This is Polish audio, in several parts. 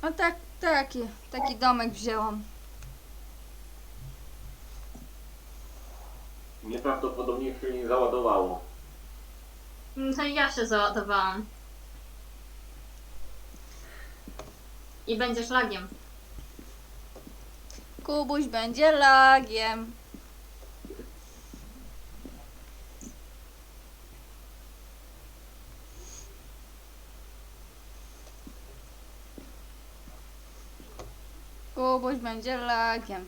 No tak, taki domek wzięłam. Nieprawdopodobnie się nie załadowało. To ja się załadowałam. I będziesz lagiem. Kubuś będzie lagiem. Kubuś będzie lagiem.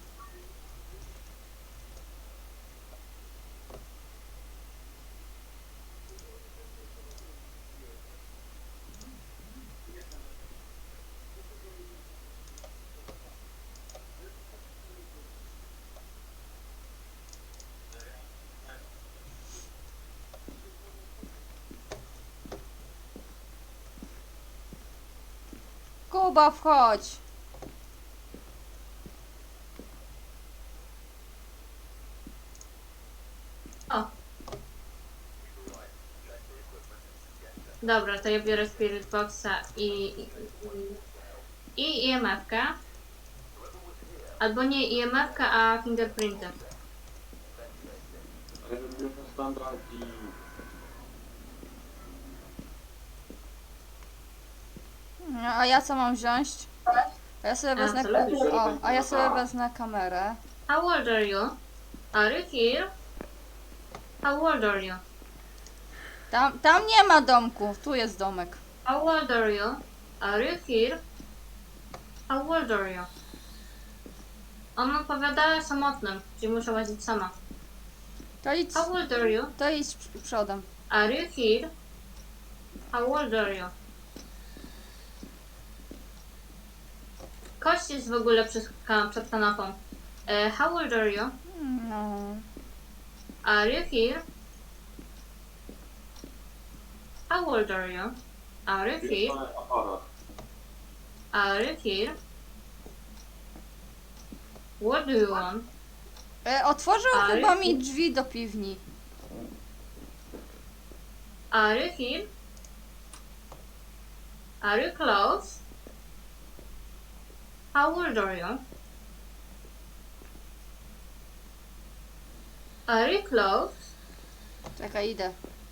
Kuba, wchodź. O. Dobra, to ja biorę Spirit Boxa i IMF-kę. Albo nie IMF-kę, a fingerprinty. Ale wybierzmy standard i... A ja co mam wziąć? A ja sobie wezmę. co lubisz? A ja sobie wezmę kamerę. How old are you? Are you here? How old are you? Tam nie ma domku, tu jest domek. How old are you? Are you here? How old are you? On odpowiada samotnym, czyli muszę łazić sama. How old are you? To idź przodem. Are you here? How old are you? Kość jest w ogóle przed kanapą. How old are you? No. Are you here? How old are you? Are you here? Wirtualny aparat. Are you here? What do you want? Otworzył Ale- chyba mi drzwi do piwni. Are you here? Are you close? How old are you? Are you close? Czekaj, idę.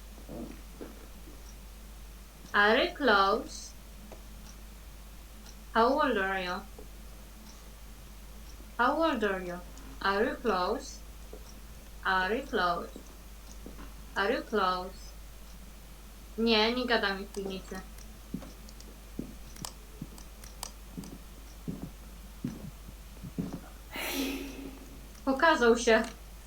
Are you close? How old are you? How old are you? Are you close? Are you close? Are you close? Nie gada mi w piwnicy. Pokazał się.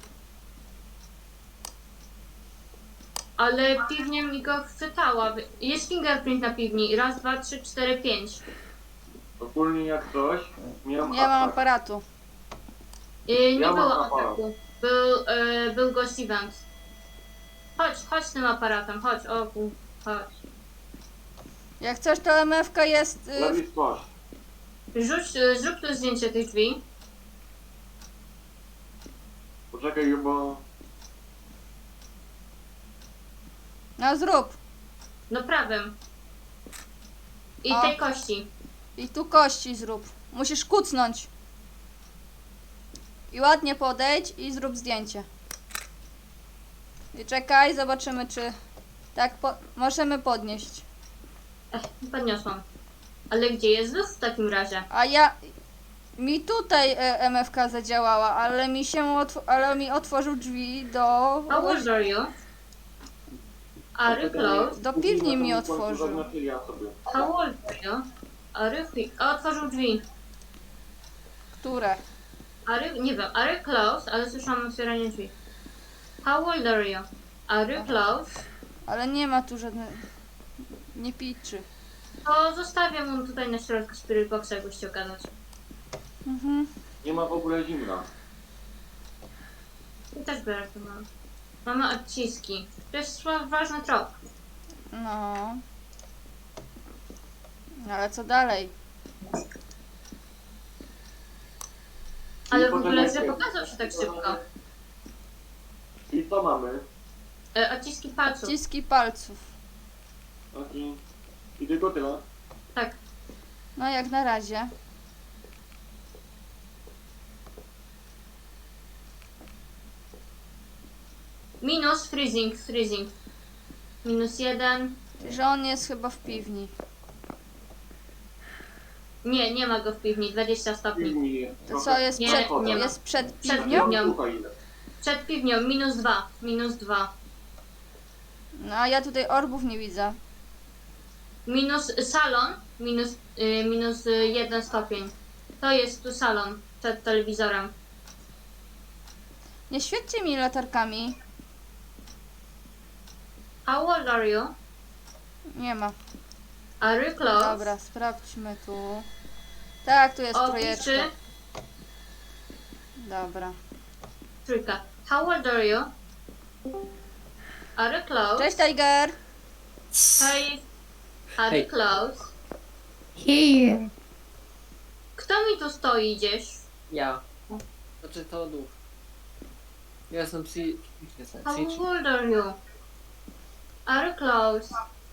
Ale piwnia mi go wczytała. Jest fingerprint na piwni. Raz, dwa, trzy, cztery, pięć. Ogólnie jak coś, miałem Nie mam atak. aparatu. Nie Ja mam było aparat. ataku. Był Ghost Event. Chodź tym aparatem, chodź, chodź. Jak coś, to MFK jest. Lewi twarz. Zrób tu zdjęcie tych drzwi. Poczekaj, bo... No zrób. No prawym. I O. tej kości. I tu kości zrób. Musisz kucnąć. I ładnie podejdź i zrób zdjęcie. I czekaj, zobaczymy czy... Tak, możemy podnieść. Podniosłam. Ale gdzie jest luz w takim razie? A ja... Mi tutaj MFK zadziałała, ale mi otworzył drzwi do... How old are you? Are you close? Do piwni mi otworzył. Zaznaczyli ja sobie. How old are you? Are you otworzył drzwi. Które? Nie wiem, are you close? Ale słyszałam otwieranie drzwi. How old are you? Are you close? Ale nie ma tu żadnej... Nie piczy. To zostawię mu tutaj na środku Spirit Boxa, jakbyś chciał gadać. Mhm. Nie ma w ogóle zimna. I też biorę to mam. Mamy odciski. To jest ważny trop. No. Ale co dalej? Ale w potem ogóle, jak- że pokazał się tak szybko. I co mamy? Odciski palców. Odciski palców. I tylko tyle. Tak. No jak na razie. Minus freezing. -1. Że on jest chyba w piwni. Nie, nie ma go w piwni, 20 stopni. Piwni To trochę co jest Nie, przed, nie ma. jest przed Przed piwnią? piwnią. Słuchaj, ile. Przed piwnią, -2. No a ja tutaj orbów nie widzę. Minus salon, -1 stopień. To jest tu salon przed telewizorem. Nie świećcie mi latarkami. How old are you? Nie ma. Are you close? Dobra, sprawdźmy tu. Tak, tu jest Opiszy. trójeczka. Dobra. Trójka. How old are you? Are you close? Cześć Tiger! Hey. Are you Hej. close? Here. Kto mi tu stoi gdzieś? Ja. Znaczy to duch. Ja jestem How old are you? Are you close?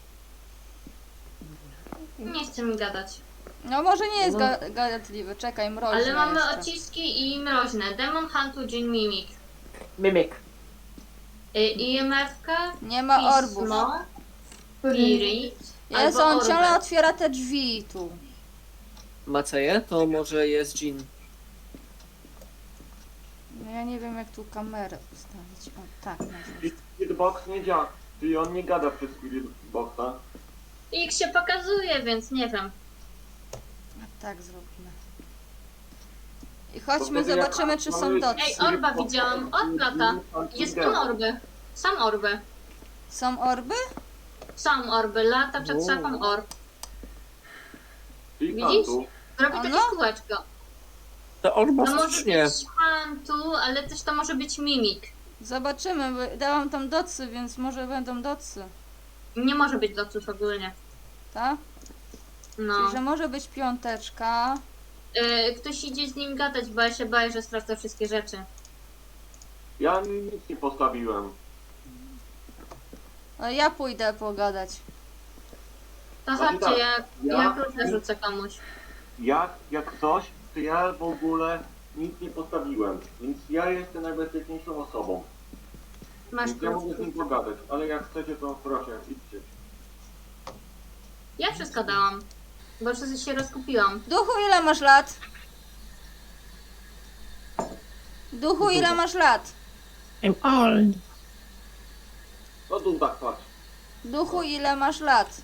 Nie chce mi gadać. No może nie jest No. gadatliwy, czekaj, mroźny Ale mamy jeszcze. odciski i mroźne. Demon Huntu, Jin Mimic. Mimik. IMF-ka, Nie ma orbów. Pismo, Spirit, Jezu, albo on ciągle Orbek. otwiera te drzwi tu. Maceje? To może jest Jean. No ja nie wiem jak tu kamerę ustawić. O, tak, może. Spirit Box nie działa. Czyli on nie gada przez Spirit Boxa. Ich się pokazuje, więc nie wiem. A tak zrobimy. I chodźmy, To wtedy jak zobaczymy czy są mamy- docy. Ej, orba widziałam, od lata. Jest tu orby. Sam orby. Są orby? Sam orby, lata przed Wow. szafą orb. Czyli Widzisz? Huntu. Robi Ano? takie kółeczko. To orba To może faktycznie. być Huntu, ale też to może być Mimik. Zobaczymy, bo dałam tam docy, więc może będą docy. Nie może być doców ogólnie. Tak? No. Czyli, że może być piąteczka. Ktoś idzie z nim gadać, bo ja się boję, że stracę wszystkie rzeczy. Ja nic nie postawiłem. Ale ja pójdę pogadać. To Znaczy chodźcie, tak, ja ja- klucze rzucę komuś. Jak coś, to ja w ogóle nic nie postawiłem. Więc ja jestem najbezpieczniejszą osobą. Masz Więc ja mogę z nim klucz. pogadać. Ale jak chcecie, to proszę, idźcie. Ja wszystko dałam. Bo wszyscy się rozkupiłam. Duchu, ile masz lat? Duchu, ile masz lat? I'm old. No tu tak patrz. Duchu, ile masz lat?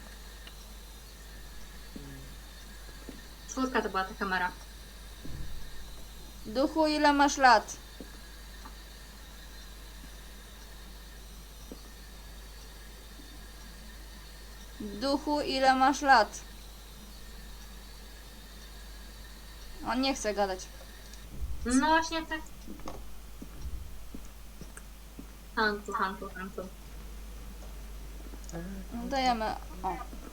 4 to była ta kamera. Duchu, ile masz lat? Duchu, ile masz lat? On nie chce gadać. No właśnie tak. Hantu. Dajemy. O.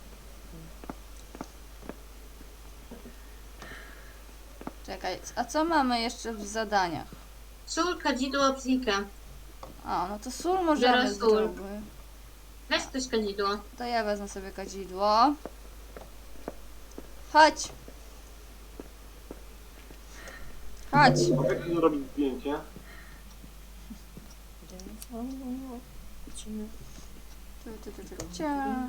Czekaj, a co mamy jeszcze w zadaniach? Sól, kadzidło, psikę. O, no to sól możemy Biorę sól. zrobić. Weź ktoś kadzidło. To ja wezmę sobie kadzidło. Chodź. Chodź. Mogę ci zrobić zdjęcie? Cia.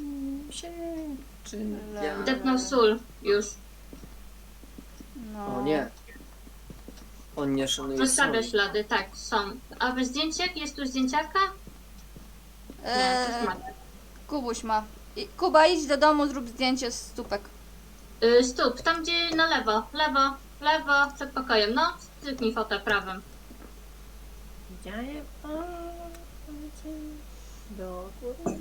Depnął sól. Już. No. O nie. On nie szanuje Zostawia soli. ślady, tak, są. A wy zdjęciak? Jest tu zdjęciarka? Nie, to jest Matek. Kubuś ma. Kuba, idź do domu, zrób zdjęcie z stópek. Stóp, tam gdzie na lewo. Lewo, przed pokojem. No, styknij fotę prawym. Widziałem do góry.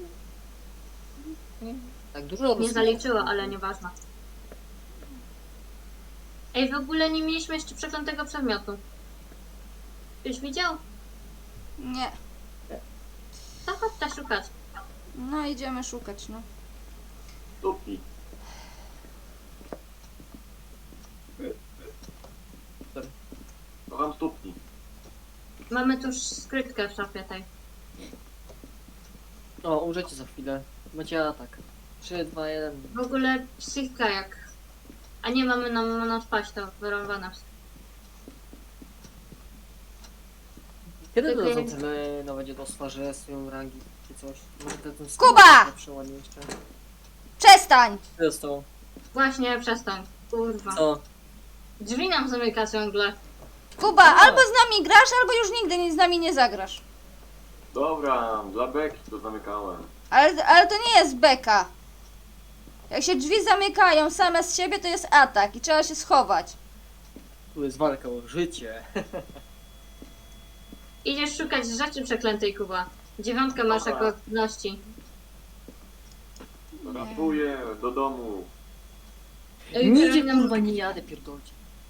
Tak dużo Nie rozmów. zaliczyło, ale nieważne. Ej, w ogóle nie mieliśmy jeszcze przeklętego przedmiotu. Ktoś widział? Nie. To chodź szukać. No idziemy szukać, no. Stópki. Kocham stópki. Mamy tu już skrytkę w szafie tej. O, umrzecie za chwilę. Macie atak. 3, 2, 1. W ogóle psychika jak A nie mamy nam odpaść, to wyrąbane. Kiedy Tylko dodadzą jak- tyle no będzie do że swoją rangi czy coś? Może ten Kuba! Przełanie jeszcze. Przestań! Co zostało? Właśnie, przestań. Kurwa. Co? Drzwi nam zamyka ciągle. Kuba, A. albo z nami grasz, albo już nigdy z nami nie zagrasz. Dobra, dla beki to zamykałem. Ale to nie jest beka. Jak się drzwi zamykają same z siebie, to jest atak i trzeba się schować. Tu jest walka o życie. Idziesz szukać rzeczy przeklętej, Kuba. 9 masz Dobra. jako aktywności. Ratuję do domu. Nigdzie kurwa nie jadę, pierdolcie.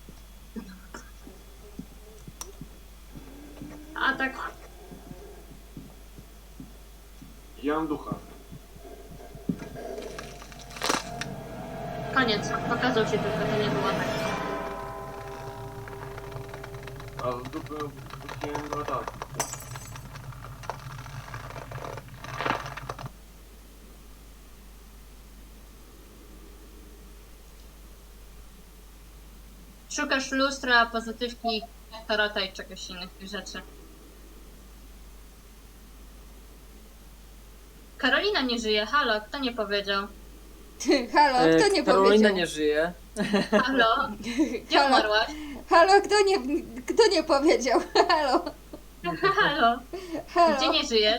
Atak. Widziałem ducha. Koniec. Pokazał się tylko, to nie był atak. A z dupy puściłem do ataku. Szukasz lustra, pozytywki, tarota i czegoś innych rzeczy. Karolina nie żyje. Halo, kto nie powiedział? Halo, kto nie Karolina powiedział? nie żyje. Halo? Gdzie Halo, umarłaś? halo, kto nie powiedział? Halo, Halo? halo. Gdzie nie żyjesz?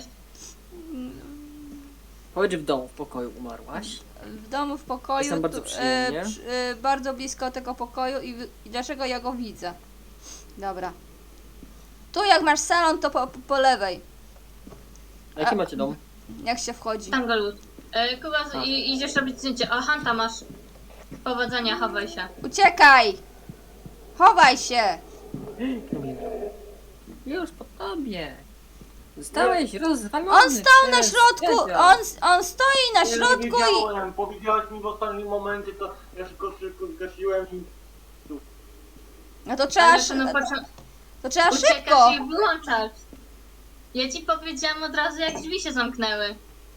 Chodź w domu, w pokoju umarłaś. W domu, w pokoju, Jestem bardzo przyjemnie. bardzo blisko tego pokoju i dlaczego ja go widzę? Dobra. Tu jak masz salon, to po lewej, A jaki A- macie dom? jak się wchodzi. Tam go lud. Kuba, A. idziesz robić zdjęcie. O, Hanta masz. Powodzenia, chowaj się. Uciekaj! Chowaj się! Już po tobie. Zostałeś rozwalony. On stał na przez środku, dziadzia. on stoi na Nie środku i... wiedziałem, powiedziałaś mi w ostatnim momencie, to ja szybko zgasiłem i... No to trzeba, Ale to na to trzeba szybko! uciekasz i wyłączasz. Ja ci powiedziałam od razu, jak drzwi się zamknęły.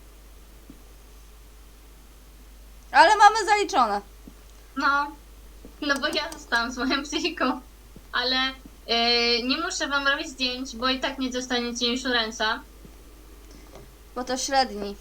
Ale mamy zaliczone. No bo ja zostałam z moją psychiką. Ale nie muszę wam robić zdjęć, bo i tak nie dostaniecie insuransa. Bo to średni.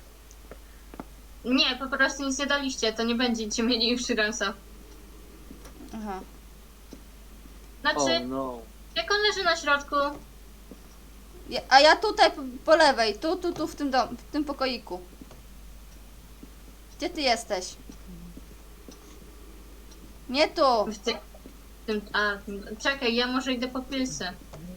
Nie, po prostu nic nie daliście, to nie będziecie mieli insuransa. Aha. Znaczy, Oh no. jak on leży na środku, A ja tutaj po lewej, tu w tym w tym pokoiku. Gdzie ty jesteś? Nie tu. w tym, czekaj, ja może idę po pilsy.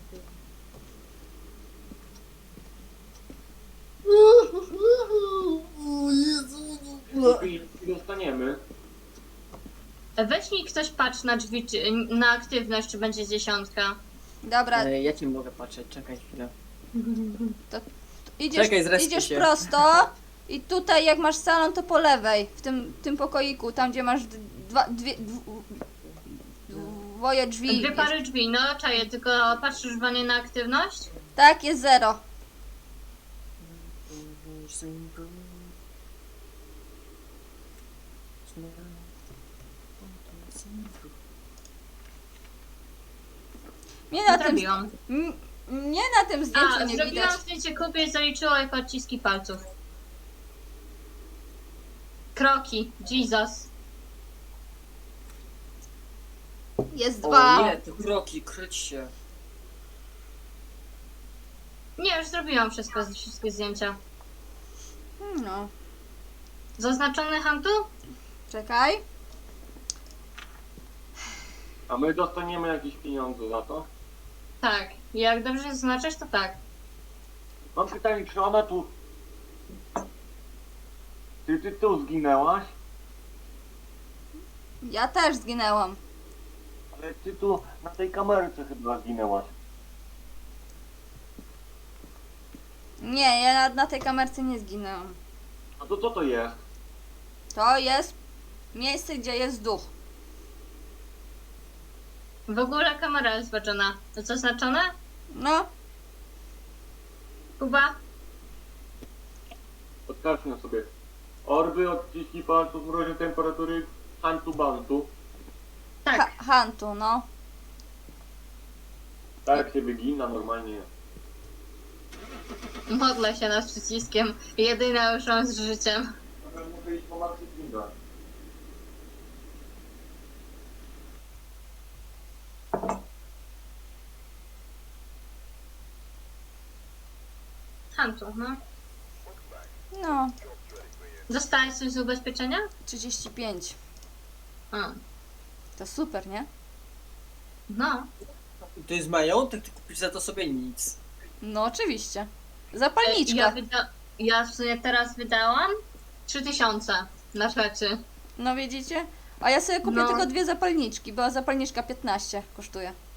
I dostaniemy. Weź mi ktoś patrz na drzwi, na aktywność, czy będzie 10. Dobra, Ja ci mogę patrzeć, czekaj chwilę. idziesz, zrespię idziesz się. prosto i tutaj jak masz salon, to po lewej, w tym pokoiku, tam gdzie masz dwoje drzwi. Dwie pary drzwi, no czaję, tylko patrzysz wanie na aktywność? Tak, jest 0. Mnie na tym, Zrobiłam. mnie na tym zdjęciu nie zrobiłam widać. zdjęcie kupy i zaliczyło jako odciski palców. Kroki, Jesus. Jest O 2. nie, te kroki, kryć się. Nie, już zrobiłam wszystkie zdjęcia. No, Zaznaczony Hantu? czekaj. A my dostaniemy jakieś pieniądze za to? Tak. Jak dobrze zaznaczysz, to tak. Mam pytanie, czy ona tu... Ty tu zginęłaś? Ja też zginęłam. Ale ty tu na tej kamerce chyba zginęłaś. Nie, ja na tej kamerce nie zginęłam. No to co to jest? To jest miejsce, gdzie jest duch. W ogóle kamera jest zbaczona. To zaznaczone? No, Kuba? Odkażmy sobie. Orby, odciski palców, mroźne temperatury, Hantu Bantu. Tak. Huntu, no. Tak się wygina normalnie. Modlę się nad przyciskiem. Jedyna już szans z życiem. Dobra, muszę iść po Maxi Kinga. Hantu, no. No, Dostałeś coś z ubezpieczenia? 35. A. To super, nie? No. To jest majątek, ty kupisz za to sobie nic. No oczywiście. Zapalniczka. Ja w sumie teraz wydałam 3000 na rzeczy. No widzicie? A ja sobie kupię No. tylko 2 zapalniczki, bo zapalniczka 15 kosztuje.